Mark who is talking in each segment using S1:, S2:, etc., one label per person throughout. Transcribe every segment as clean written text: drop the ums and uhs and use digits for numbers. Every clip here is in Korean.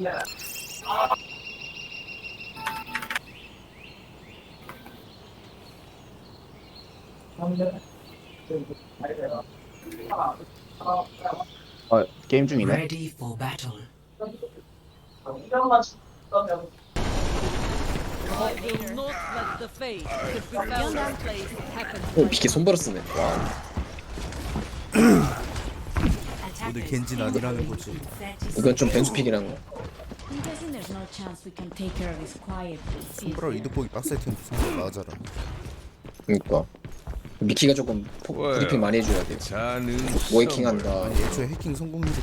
S1: 게임 중이네.
S2: Ready for battle.
S3: I will not let the fate that befell this place happen.
S4: 오 비키 손바로 쓰네. 와
S5: 오늘 겐진 아니라는 거지.
S4: 이건 좀 변수픽이라는 거.
S6: I'm guessing there's no chance we can take care of this quietly.
S5: 손브라 이득보기 빡셀 텐데 상대 맞아라.
S4: 그러니까 미키가 조금 브리핑 많이 해줘야 돼요. 뭐 해킹한다.
S5: 애초에 해킹 성공률이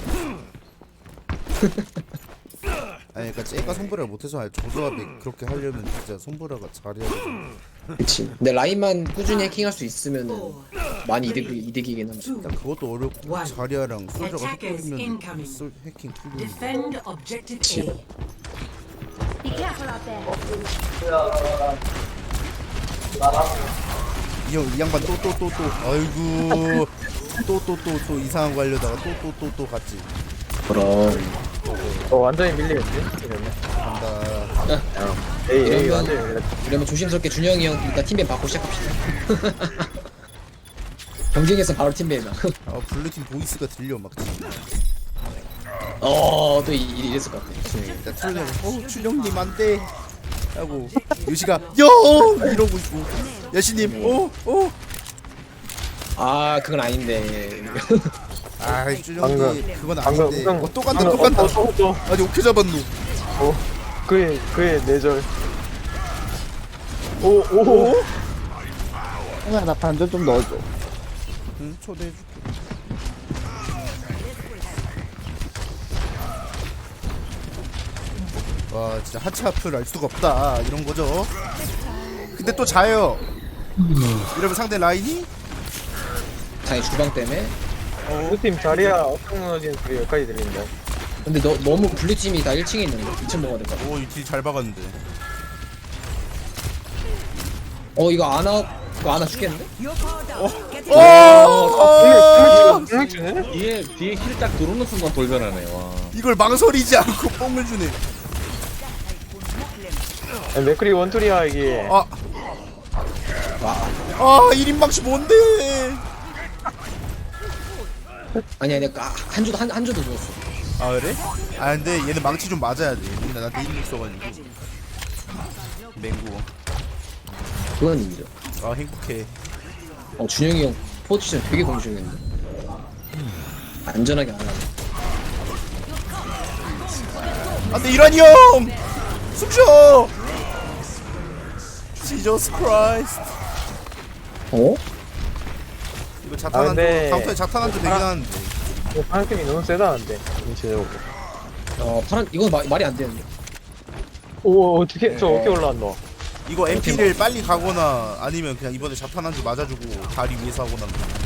S5: 아니 그니까 쟤가 손브라를 못해서 조조합이 그렇게 하려면 진짜 손브라가 잘해야 돼.
S4: 그치. 근데 라인만 꾸준히 해킹할 수 있으면은 많이 이득이긴 합니다.
S5: 일단 그것도 어렵고 자리아랑 솔저가
S2: Attackers
S5: 헷갈리면
S2: incoming.
S5: 해킹 뚫리는
S2: Defend objective A.
S6: Be careful out there.
S5: 이 양반 또 아이고 또 이상한 거 하려다가 또 갔지.
S4: 그럼
S7: 완전히 밀리겠지? 이러면.
S5: 간다.
S7: 에이 완전히 밀려.
S4: 이러면 조심스럽게 준영이 형 일단 팀배 받고 시작합시다. 경쟁에서 바로 팀배다.
S5: 아 블루팀 보이스가 들려 막 지금.
S4: 또 이랬을 것 같아. 준영이.
S5: 일단 출령 출령님 안돼 하고 유시가 영 이러고 있고 여신님
S4: 아 그건 아닌데.
S5: 아 출령님
S7: 방금,
S5: 그건
S7: 방금
S5: 아닌데
S7: 우승-
S5: 또 간다
S7: 또.
S5: 아니 오케이 잡았노.
S7: 그의 내절. 오.
S1: 형아 나 반전 좀 넣어줘.
S5: 응 초대해줄게. 와 진짜 하체 앞을 알 수가 없다 이런 거죠. 근데 또 자요. 이러면 상대 라인이
S4: 자기 주방 때문에.
S7: 우팀 자리야 엄청 무너지는 소리 여기까지 들린다.
S4: 근데 너무 블루팀이 다 1층에 있는데 2층 먹어야 될 것 같아.
S5: 오이 딜 잘 박았는데.
S4: 이거 아나 죽겠는데?
S7: 주네?
S1: 뒤에 힐 딱 들어오는 순간 돌변하네. 와.
S5: 이걸 망설이지 않고 뽕을 주네.
S7: 맥크리 원툴이야 이게.
S5: 아 1인방치 뭔데?
S4: 아니야 내가 한 주도 죽었어.
S5: 아 그래? 아 근데 얘는 망치 좀 맞아야 돼. 근데 나한테 힘이 있어가지고. 맹구.
S4: 그건 인정.
S5: 아 행복해.
S4: 준영이 형 포지션 되게 공중했는데. 안전하게 안 하네.
S5: 안돼 이란이 형! 숨쉬어! 지저스 크라이스트. 이거 자탄 한
S7: 근데-
S5: 조, 다음 턴에 자탄 한 조 되긴 하는데.
S7: 파란 팀이 너무 세다는데. 인체적으로.
S4: 파란 이건 말이 안 되는데.
S7: 오 어떻게 저 어떻게 올라왔노?
S5: 이거 MP를 빨리 가거나 아니면 그냥 이번에 자탄 한 조 맞아주고 다리 위에서 하거나.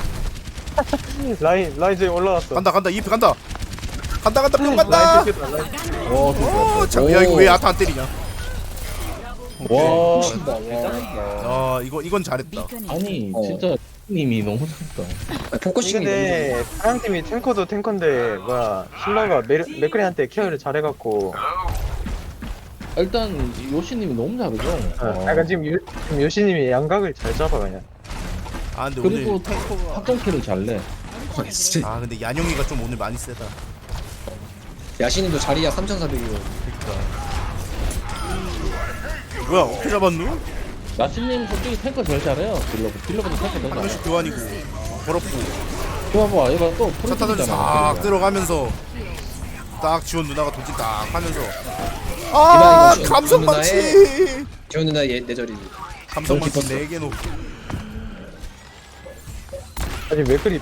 S7: 라인 저기 올라왔어.
S5: 간다 EF 간다 뿅 간다.
S7: 라인 뜯겼다, 라인.
S5: 야 이거 왜 아타 안 때리냐?
S1: 와.
S4: 미친다. 와.
S5: 이건 잘했다.
S1: 아니 진짜 님이 너무 잘했다.
S4: 포커싱이
S7: 근데 파란 팀이 탱커도 탱커인데 뭐야 신라가 맥크리한테 케어를 잘해갖고.
S1: 일단 요시님이 너무 잘하죠.
S7: 약간 지금 요시님이 양각을 잘 잡아 그냥.
S5: 아 근데
S1: 그리고
S5: 오늘
S1: 탱커가 합동킬을 잘 내.
S4: 진짜
S5: 아 근데 얀영이가 좀 오늘 많이 세다.
S4: 야신님도 자리야 3,400이고.
S5: 뭐야 어떻게 잡았누?
S1: 나신님 솔직히 탱커 제일 잘해요. 딜러보다 탱커 더
S5: 한
S1: 잘해.
S5: 명씩 교환이고 더럽고
S1: 봐봐 얘가 또
S5: 차타들 싹
S1: 프로틴이잖아.
S5: 들어가면서 딱 지원 누나가 돌진 딱 하면서
S4: 이거
S5: 감성망치
S4: 지원 누나 내절이지.
S5: 감성망치
S4: 너무
S5: 4개 놓고
S7: 아니 맥크리.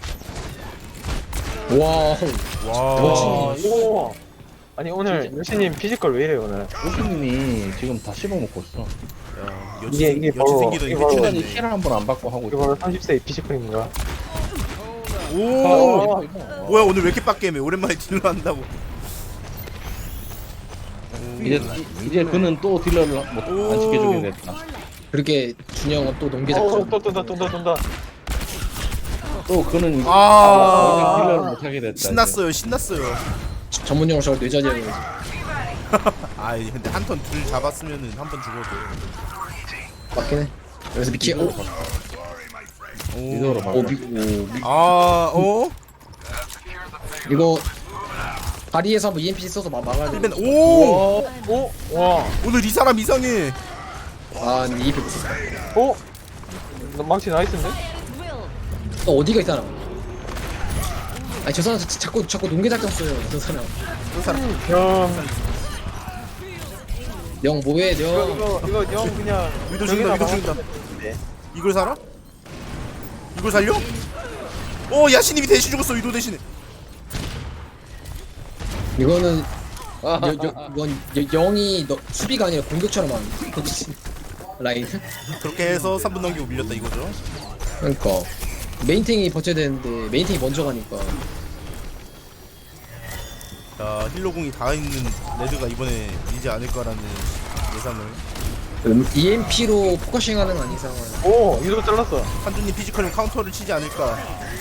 S4: 와.
S5: 와
S7: 오. 아니 오늘 요시님 피지컬 왜 이래 오늘?
S1: 요시님이 지금 다 씹어먹고 있어.
S5: 야,
S7: 이게
S5: 여치
S7: 바로-
S5: 생기더니
S7: 이게 바로-
S1: 시간이
S5: 해치웠네.
S1: 힐을 한 번 안 받고 하고
S7: 이거
S1: 있어.
S7: 바로 30세의 피지컬인가?
S5: 오
S1: 이거.
S5: 뭐야 오늘 왜 이렇게 빡게임해 오랜만에 딜러 한다고.
S1: 이제 그는 또 딜러를 뭐안 시켜주게 됐다.
S4: 그렇게 준영은 또 농계 작전.
S7: 또 돈다.
S1: 또 그는 이제
S5: 아
S1: 딜러를 못하게 됐다.
S5: 신났어요.
S4: 전문 용어로 저걸 뇌절이라고 그러지.
S5: 아이 근데 한 턴 둘 잡았으면은 한 번 죽어도.
S4: 맞긴 해. 여기서 미키 오.
S1: 미드로 막.
S5: 어?
S4: 이거 다리에서 한번 EMP 써서 막아야 돼.
S5: 힐벤 오!
S7: 와.
S5: 오늘 이 사람 이상해.
S4: 아 EMP 못 썼다.
S7: 어? 너 망치 나이스인데?
S4: 또 어디가 있잖아. 아니 저 사람 자꾸 농계 작전 써요. 저 사람.
S5: 그 사람
S7: 형.
S4: 영 뭐해 영.
S7: 이거 형 그냥.
S5: 위도 죽인다 위도 죽인다. 이걸 살아? 이걸 살려? 야신님이 대신 죽었어 위도 대신에.
S4: 이거는 이건 영이 수비가 아니라 공격처럼 하는 라인.
S5: 그렇게 해서 3분 넘기고 밀렸다 이거죠.
S4: 그러니까 메인탱이 버텨야 되는데 메인탱이 먼저 가니까.
S5: 자 힐러공이 다 있는 레드가 이번에 밀지 않을까라는 예상을.
S4: EMP로 포커싱하는 건 이상은.
S7: 오, 이거 잘랐어.
S5: 한준님 피지컬은 카운터를 치지 않을까.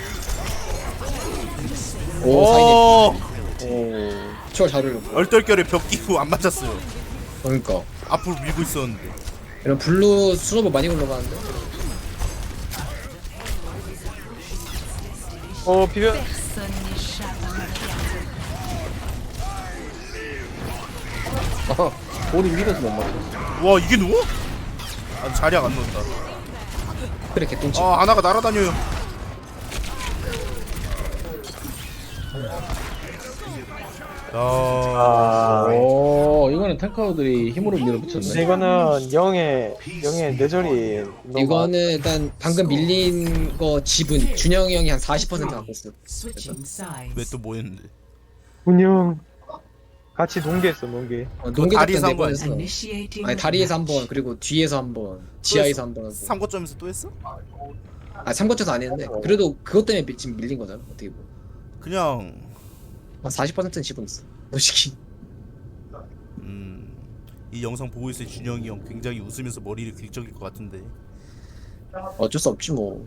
S4: 오 사이드.
S5: 오
S4: 오 추월 잘 올렸고.
S5: 얼떨결에 벽 끼고 안 맞았어요.
S4: 그러니까
S5: 앞으로 밀고 있었는데.
S4: 이런 블루 스노볼 많이 올라가는데.
S7: 비벼.
S1: 볼이 밀어서 못 맞았어.
S5: 와 이게 누워? 아 자리가 안 넣었다.
S4: 그래 개똥치.
S5: 아나가 날아다녀요.
S1: 이거는 탱커들이 힘으로 밀어붙였네.
S7: 이거는 영의 뇌절이 너무
S4: 이거는 일단 방금 밀린 거 지분 준영이 형이 한 40% 갖고 있어.
S2: Switching sides.
S5: 왜 또 뭐였는데?
S7: 운영 같이 농계했어 농계.
S4: 농계
S5: 다리에서
S4: 작전
S5: 한 번
S4: 4번 했어.
S2: Initiating.
S4: 아니 다리에서 한 번 그리고 뒤에서 한 번 지하에서 한 번 하고.
S5: 3거점에서 또 했어?
S4: 아 3거쳐서 안 했는데 그래도 그것 때문에 지금 밀린 거잖아 어떻게 보면.
S5: 그냥
S4: 한 40%는 지분 있어 솔직히.
S5: 이 영상 보고 있을 준영이 형 굉장히 웃으면서 머리를 긁적일 것 같은데.
S4: 어쩔 수 없지 뭐.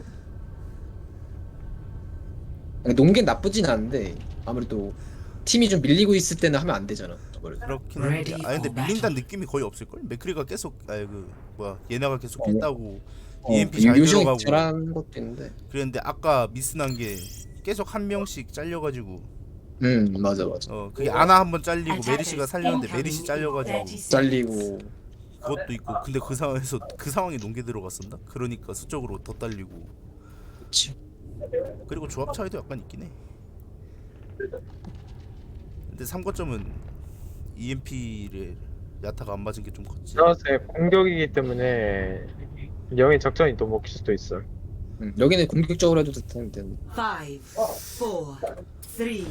S4: 농계는 나쁘진 않은데 아무래도 팀이 좀 밀리고 있을 때는 하면 안 되잖아.
S5: 그렇긴 한데. 근데 밀린다는 느낌이 거의 없을걸? 맥크리가 계속 얘네가 계속 했다고 EMP 잘
S4: 요즘
S5: 들어가고
S4: 잘하는 것도 있는데.
S5: 그랬는데 아까 미스난 게 계속 한 명씩 잘려가지고
S4: 맞아
S5: 그게 아나 한 번 잘리고 메리시가 살렸는데 메리시 잘려가지고
S4: 잘리고.
S5: 그것도 있고. 근데 그 상황에서 그 상황에 농계 들어갔었나? 그러니까 수적으로 더 딸리고.
S4: 그치.
S5: 그리고 조합 차이도 약간 있긴 해. 근데 3거점은 EMP를 야타가 안 맞은 게 좀 컸지.
S7: 그래서 공격이기 때문에 영의 작전이 또 먹힐 수도 있어.
S4: 여기는 공격적으로 해도 되는데.
S2: 5, 4, 3, 2, 1.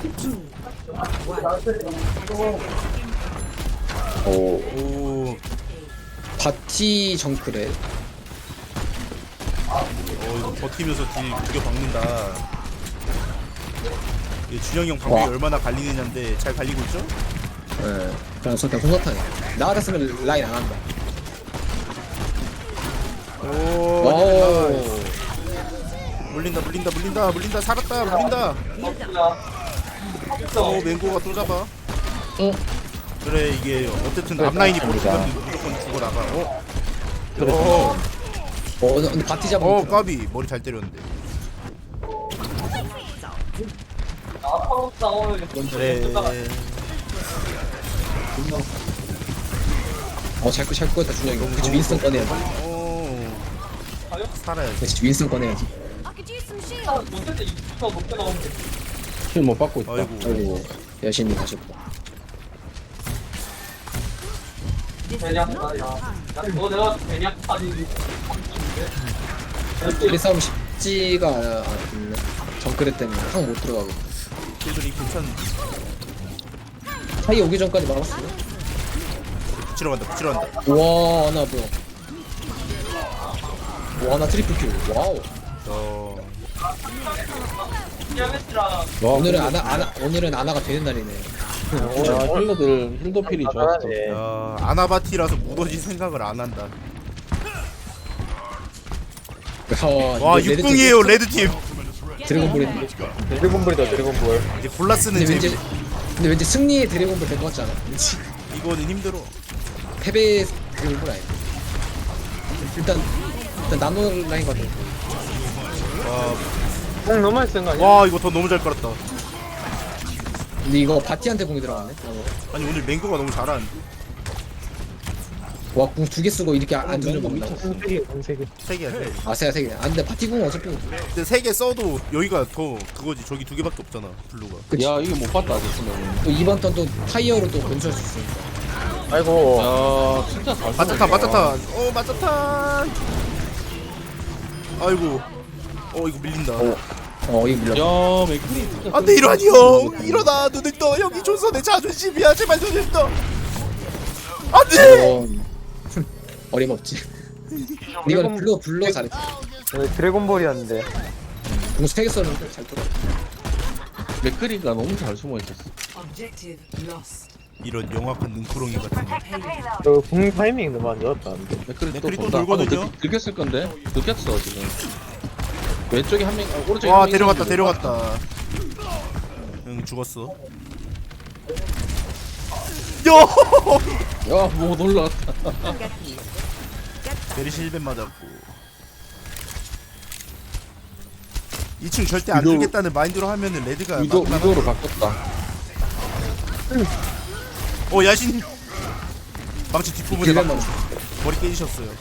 S5: 오,
S4: 바티 정크래.
S5: 이거 버티면서 딜 구겨 박는다. 이게 준영이 형 방법이 얼마나 갈리느냐인데 잘 갈리고 있죠?
S4: 예. 그냥 손사탕해. 나 같았으면 라인 안 한다. 오.
S5: 물린다 살았다 물린다. 맹고가 또 잡아. 그래 이게 어쨌든 앞라인이 버티면 무조건 죽어 나가.
S4: 근데 바티 잡은.
S5: 까비 머리 잘 때렸는데. 그래.
S4: 잘 꺼냈다 준영이. 그치 윈스턴 꺼내야지.
S5: 살아야지.
S4: 그치 윈스턴 꺼내야지.
S1: 킬 못 받고 있다.
S4: 아이고 여신이 가셨고. 우리 싸움 쉽지가 않네. 정크레 때문에 확 못 들어가고.
S5: 킬들이 괜찮은데.
S4: 사이 오기 전까지 막았어.
S5: 붙이러 간다.
S4: 와 하나 뭐야. 와 하나 트리플 킬. 와우. 오늘은 아나가 되는 날이네.
S1: 힐러들 힐더필이 좋았어.
S5: 아나바티라서 무너질 생각을 안 한다.
S4: 와
S5: 6궁이에요 레드팀.
S4: 드래곤볼인데.
S7: 드래곤볼이다 드래곤볼.
S5: 이제 골라 쓰는
S4: 근데
S5: 재미.
S4: 왠지 근데 왠지 승리의 드래곤볼 될 것 같지 않아? 왠지
S5: 이거는 힘들어.
S4: 패배의 드래곤볼 아니야. 일단 나노 라인 같아.
S7: 공 너무 많이 쓴 거 아니야?
S5: 와 이거 더 너무 잘 깔았다.
S4: 근데 이거 바티한테 공이 들어갔네. 나노.
S5: 아니 오늘 맹구가 너무 잘하는데.
S4: 와, 궁 2개 쓰고 이렇게 안 두는 거 없나?
S7: 공세개 공세개.
S5: 3개야 3개.
S4: 아, 세야 3개. 아, 근데 바티 궁 어차피.
S5: 근데 3개 써도 여기가 더 그거지. 저기 2개밖에 없잖아 블루가.
S4: 그치.
S1: 야 이거 못 봤다 아저씨는.
S4: 또 이번 턴 또 타이어로 또 건설할 수 있으니까.
S7: 아이고.
S1: 야 진짜 잘
S5: 맞자탄 맞자탄. 맞자탄. 아이고. 이거 밀린다.
S4: 이거 밀려.
S1: 야 맥크리 진짜
S5: 안돼 일어나니 형. 일어나 눈을 떠. 여기 조선의 자존심이야. 제발 눈을 떠. 안돼.
S4: 어림없지. 이거는 블루 잘했지.
S7: 드래곤볼이었는데.
S4: 궁 3개 썼는데 잘 돌아.
S1: 맥크리가 너무 잘 숨어 있었어.
S2: Objective lost.
S5: 이런 영악한 눈구렁이 같은 거.
S7: 저공 타이밍 너무 안 좋았다. 근데.
S1: 맥크리
S5: 맥크리 또
S1: 본다.
S5: 돌거든요?
S1: 들켰을 건데 들켰어 지금. 왼쪽에 한 명, 오른쪽에
S5: 와
S1: 한 명이
S5: 데려갔다
S1: 있는데.
S5: 데려갔다. 응 죽었어. 야!
S1: 야뭐 놀라웠다.
S5: 베리시 1벤 맞았고 2층 절대 안
S1: 위도-
S5: 주겠다는 마인드로 하면은 레드가
S1: 위도로 바꿨다.
S5: 야신 망치 뒷부분에
S4: 딜만
S5: 맞고 머리 깨지셨어요.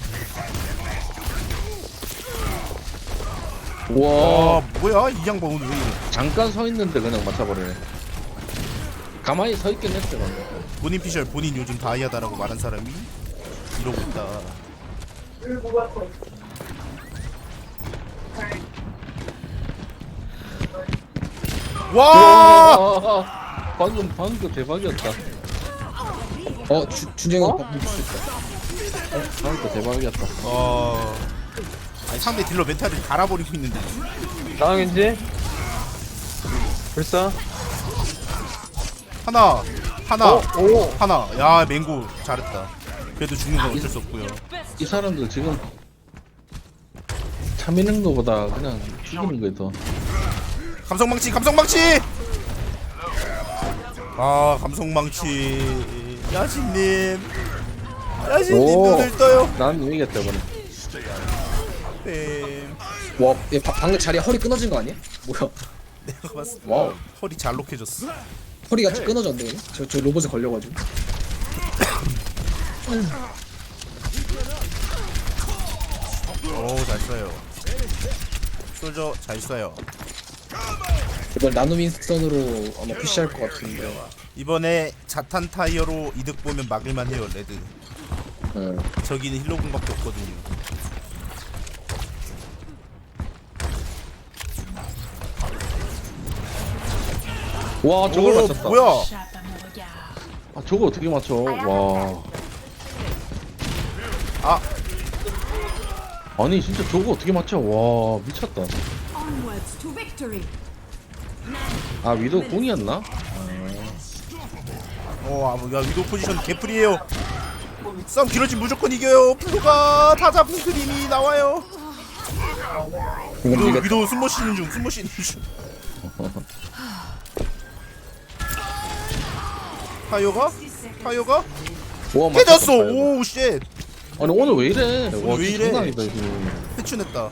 S1: 와
S5: 뭐야 이 양반 오늘 왜 이래.
S1: 잠깐 서 있는데 그냥 맞춰버리네. 가만히 서 있긴 했어 방금.
S5: 본인 피셜 본인 요즘 다이아다라고 말한 사람이 이러고 있다. 와!
S1: 방금 대박이었다.
S4: 준정이 오빠 묻을 수 있다.
S1: 방금 대박이었다.
S5: 아니 상대 딜러 멘탈을 갈아버리고 있는데.
S7: 나왕인지? 불사?
S5: 하나
S7: 오.
S5: 하나. 야 맹구 잘했다. 그래도 죽는 건 어쩔 수 없고요.
S1: 이 사람들 지금 참이는 거보다 그냥 죽이는 거에 더.
S5: 감성망치 감성망치 야신님
S1: 오.
S5: 눈을 떠요.
S1: 난 이기겠다 이번에.
S5: 뱀.
S4: 와, 얘 방금 자리 허리 끊어진 거 아니야? 뭐야?
S5: 내가 봤을 때
S4: 와우.
S5: 허리 잘록해졌어.
S4: 허리가 끊어졌네. 얘네? 저 로봇에 걸려가지고.
S5: 잘 쏴요. 솔저 잘 쏴요.
S4: 이번 나노민스턴으로 아마 푸시할 것 같은데.
S5: 이번에 자탄 타이어로 이득 보면 막을만 해요 레드.
S4: 응.
S5: 저기는 힐러공밖에 없거든요.
S1: 와 저걸
S5: 오,
S1: 맞췄다.
S5: 뭐야?
S1: 아 저거 어떻게 맞춰? 와.
S5: 아.
S1: 아니 진짜 저거 어떻게 맞춰? 와 미쳤다.
S6: Onwards to victory.
S1: 아 위도 공이었나?
S5: 야 위도 포지션 개풀이에요. 싸움 길어지면 무조건 이겨요. 블루가 다 잡은 그림이 나와요.
S4: 이건 이게
S5: 위도 숨못 쉬는 중. 타이어가?
S1: 와
S5: 깨졌어.
S1: 맞췄다, 이거.
S5: 오우 쉣.
S1: 아니 오늘 왜 이래? 와
S5: 왜 이래?
S1: 장난 아니다 지금.
S5: 해춘했다.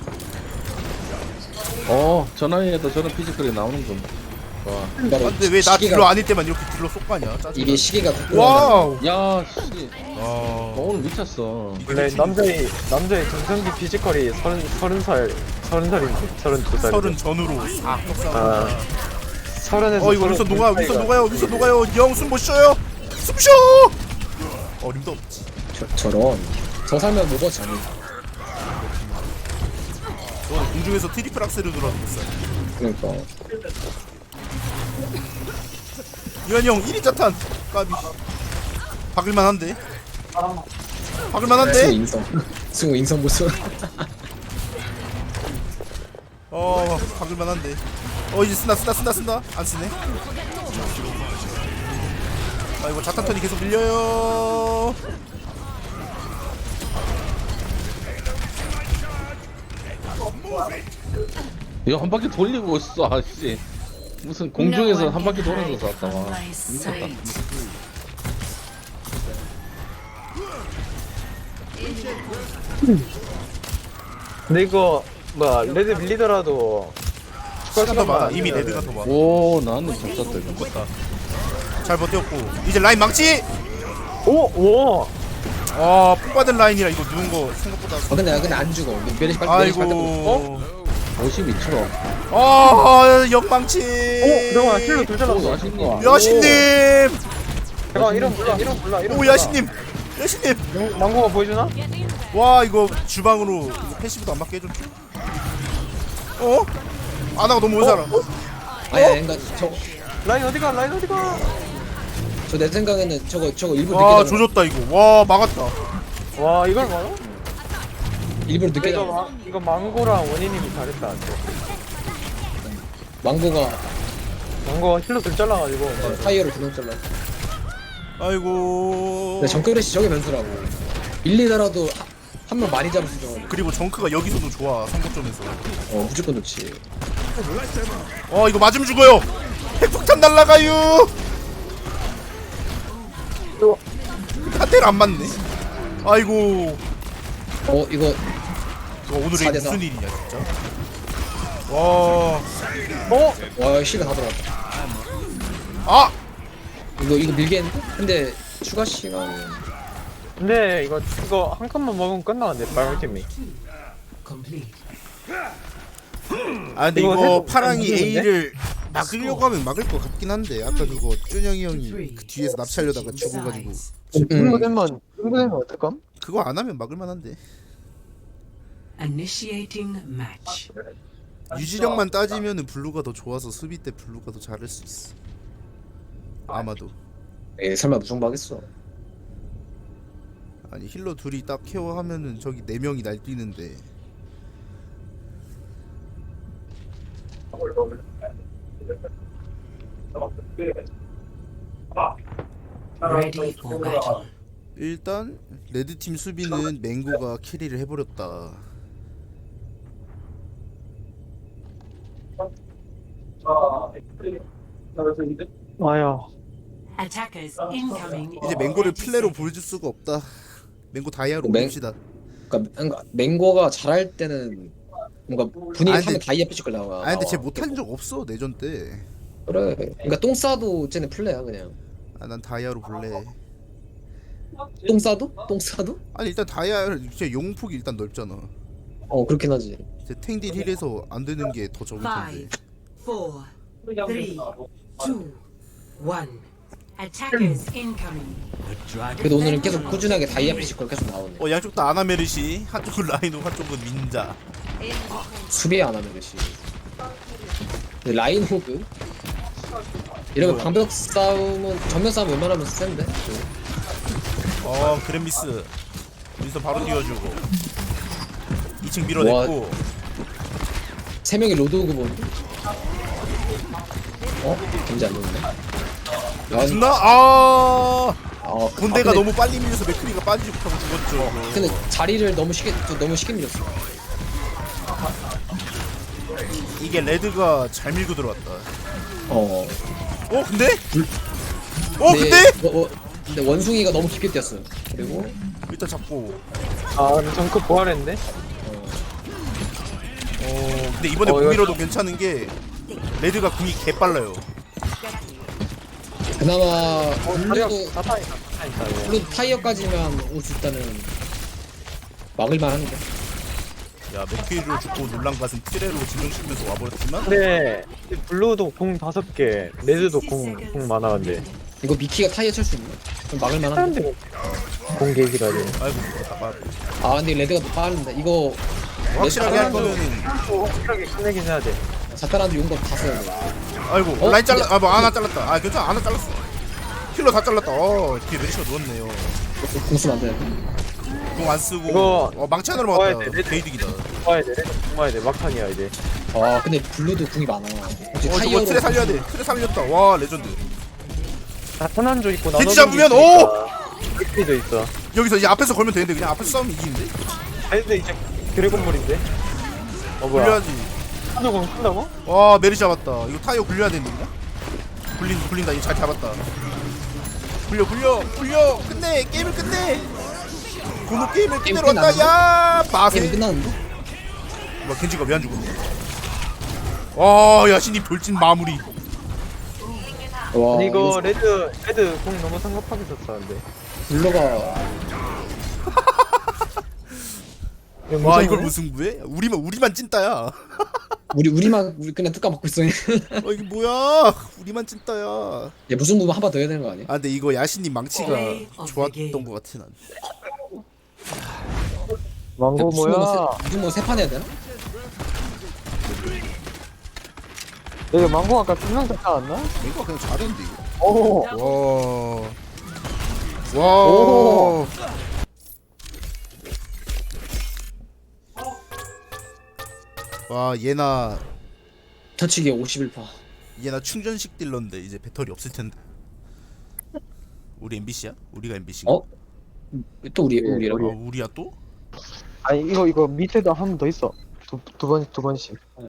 S1: 저 나이에도 저런 피지컬이 나오는군. 와.
S5: 근데 왜 나 딜러 아닐 때만 이렇게 딜러 쏙 가냐? 짜증나.
S4: 이게 시계가
S5: 와우.
S1: 야 씨. 오늘 미쳤어.
S7: 원래 남자의 정상기 피지컬이 32살인데
S5: 30 전후로
S7: 아. 30에서
S5: 이거 윈선 녹아요. 영 숨 못 쉬어요. 숨 쉬어. 어림도 없지.
S4: 저런 저 살면 로봇이 아니.
S5: 너 공중에서 트리플 악셀을 돌아다녔어.
S4: 그러니까
S5: 유한이 형 1위 자탄 까비. 박을만한데.
S4: 승우 인성 모습.
S5: 박을만한데. 이제 쓴다. 안 쓰네. 이거 자탄 턴이 계속 밀려요.
S1: 이거 한 바퀴 돌리고 있어 아씨. 무슨 공중에서 한 바퀴 돌아서 쐈다 와. 미쳤다.
S7: 근데 이거 뭐야 레드 밀리더라도
S5: 시간 더 많아. 이미 레드가 더 많아.
S1: 오 나는 잘 쐈다 이거.
S5: 잘 버텼고 이제 라인 망치.
S7: 오!
S5: 아, 폭받은 라인이라 이거 누운 거 생각보다.
S4: 근데 안 죽어. 메르시 빨리 고
S5: 아이고.
S1: 52초.
S5: 아, 역망치.
S7: 잠깐만 힐로 둘 잘랐어.
S1: 야신님.
S5: 야신님.
S7: 잠깐만 이런 몰라
S5: 오, 야신님. 야신님.
S7: 망고가 보여주나?
S5: 와, 이거 주방으로 이거 패시브도 안 맞게 해줘. 어? 아나가 너무 오잖아.
S4: 아야 그러니까
S7: 라인 어디가?
S4: 저 내 생각에는 저거 일부러
S5: 와,
S4: 늦게 잡은
S5: 조졌다 이거. 와, 막았다.
S7: 와 이걸 막아?
S4: 일부러 늦게 잡은
S7: 이거 망고랑 원희님이 잘했다. 망고가 힐로 둘 잘라가지고
S4: 타이어를 두명 잘라.
S5: 아이고.
S4: 근데 정크레시 저게 변수라고. 밀리더라도 한 명 많이 잡을 수 있어.
S5: 그리고 정크가 여기서도 좋아. 상거점에서.
S4: 무조건 좋지.
S5: 이거 맞으면 죽어요. 핵폭탄 날라가요. 한 대를 안 맞네. 아이고.
S4: 이거
S5: 오늘의
S4: 4대4.
S5: 무슨 일이냐 진짜. 와.
S4: 와 시가 다 들어갔다.
S5: 아.
S4: 이거 밀겠는데? 근데 추가 시간이
S7: 근데 이거 한 칸만 먹으면 끝나는데 빨간팀이.
S2: Complete.
S5: 아 근데
S7: 이거
S5: 이거
S7: 해도
S5: 파랑이
S7: 안 되는데?
S5: A를 막으려고 하면 막을 것 같긴 한데 아까 그거 준영이 형이 그 뒤에서 납치하려다가 죽어가지고
S7: 흥분되면 어떡함?
S5: 그거 안 하면 막을 만한데.
S2: Initiating match.
S5: 유지력만 따지면은 블루가 더 좋아서 수비 때 블루가 더 잘할 수 있어. 아마도.
S4: 설마 무성박겠어.
S5: 아니 힐러 둘이 딱 케어하면은 저기 4명이 날뛰는데.
S2: Ready for battle.
S5: 일단 레드팀 수비는 맹고가 캐리를 해버렸다.
S7: 와야.
S2: Attackers incoming.
S5: 이제 맹고를 플레로 보여줄 수가 없다. 맹고 다이아로
S4: 맹-
S5: 봅시다.
S4: 그러니까 맹고가 잘할 때는 뭔가 분위기
S5: 아니,
S4: 하면
S5: 근데-
S4: 다이아 피지컬 나와.
S5: 아 근데 쟤 못한 적 없어 내전 때.
S4: 그래. 그러니까 똥 싸도 쟤는 플레야 그냥.
S5: 아 난 다이아로 볼래.
S4: 똥 싸도? 똥 싸도?
S5: 아니 일단 다이아 쟤 용폭이 일단 넓잖아.
S4: 그렇긴 하지.
S5: 쟤 탱딜 힐에서 안 되는 게 더 적을 텐데.
S2: 5, 4, 3, 2, 1. Attackers incoming.
S4: 그래도 오늘은 계속 꾸준하게 다이아 피지컬 계속 나오네.
S5: 양쪽 다 아나메르시, 한쪽은 라이노, 한쪽은 민자.
S4: 수비 안 하는 것이. 근데 라인 호그? 이러면 방벽 싸움은 정면 싸움 웬만하면 센데.
S5: 그랜미스. 윈서 바로 띄워주고. 2층 밀어냈고.
S4: 세 명이 로드 호그 보는데. 뭔지 안 되는데.
S5: 죽나? 본대가
S4: 근데-
S5: 너무 빨리 밀려서 맥크리가 빠지지 못하고 죽었죠.
S4: 근데 자리를 너무 쉽게 밀렸어.
S5: 이게 레드가 잘 밀고 들어왔다. 근데?
S4: 근데 원숭이가 너무 깊게 뛰었어요. 그리고
S5: 일단 잡고.
S7: 근데 정크 부활했네?
S5: 근데 이번에
S7: 이거-
S5: 공밀어도 괜찮은 게 레드가 궁이 개빨라요.
S4: 그나마
S7: 다리가
S4: 블루도
S7: 사타니까 이거.
S4: 블루 타이어까지만 올 수 있다면 막을만 한데.
S5: 야 맥크리로 죽고 놀란 가슴 트레로 진정시키면서 와버렸지만
S7: 근데 블루도 공 5개, 레드도 공 많아 근데.
S4: 이거 미키가 타이어 칠 수 있나? 좀 막을만 한데.
S7: 사람들이 공 게이지라지.
S5: 아이고 그렇다.
S4: 근데 레드가 더 빠른데 이거
S5: 확실하게 할 거면은
S7: 확실하게 끝내긴 해야 돼.
S4: 사타란도 용법 다 써야 돼.
S5: 아이고 라인 잘라 하나 잘랐다. 괜찮아 하나 잘랐어. 힐러 다 잘랐다. 뒤에 메리시가 누웠네요.
S4: 공수면 안 돼.
S5: 공 안 쓰고
S7: 이거
S5: 망치 하나로
S7: 먹어야
S5: 막았다.
S7: 돼.
S5: 개이득이다.
S7: 모아야 돼, 모아야 돼. 막판이야 이제.
S4: 근데 블루도 궁이 많아. 혹시
S5: 저거
S4: 타이어로
S5: 트레 살려야 돼. 트레 살렸다. 와 레전드.
S7: 편한조 있고
S5: 겐지 잡으면,
S7: 도 있어.
S5: 여기서 이제 앞에서 걸면 되는데 그냥 앞에서 싸우면 이기는데.
S7: 근데 이제 드래곤볼인데. 뭐야?
S5: 돌려야지.
S7: 한조공 쓴다고?
S5: 와 메리 잡았다. 이거 타이어 굴려야 되는 거냐? 굴린다. 이거 잘 잡았다. 굴려. 끝내. 게임을 끝내. 고노 게임을
S4: 게임
S5: 끝내러 왔다. 야
S4: 게임이
S5: 마세.
S4: 끝났는데?
S5: 뭐 겐지가 왜 안 죽었냐? 와 야신이 돌진 마무리.
S4: 와
S7: 아니 이거 레드 공 너무 성급하게 썼었는데.
S4: 블러가
S5: 와 이걸 무승부해? 우리만 찐따야.
S4: 우리 그냥 뚜까 먹고 있어. 얘
S5: 이게 뭐야? 우리만 찐따야.
S4: 무슨 부분 한번 더 해야 되는 거 아니야?
S5: 아 근데 이거 야신님 망치가
S2: Play of the
S5: 좋았던
S2: game.
S5: 것 같아 난.
S7: 망고 뭐야?
S4: 무슨 뭐 세 판 해야 되나?
S7: 이거 망고 아까 분명 잡지 않았나?
S5: 이거 그냥 잘했는데 이거.
S7: 오.
S5: 와. 와 얘나
S4: 터치기 51%.
S5: 충전식 딜러인데 이제 배터리 없을 텐데. 우리 MBC야? 우리가 MBC가?
S4: 어? 또 우리라고?
S5: 우리야 또?
S7: 아니 이거 밑에도 한 번 더 있어. 두 번씩.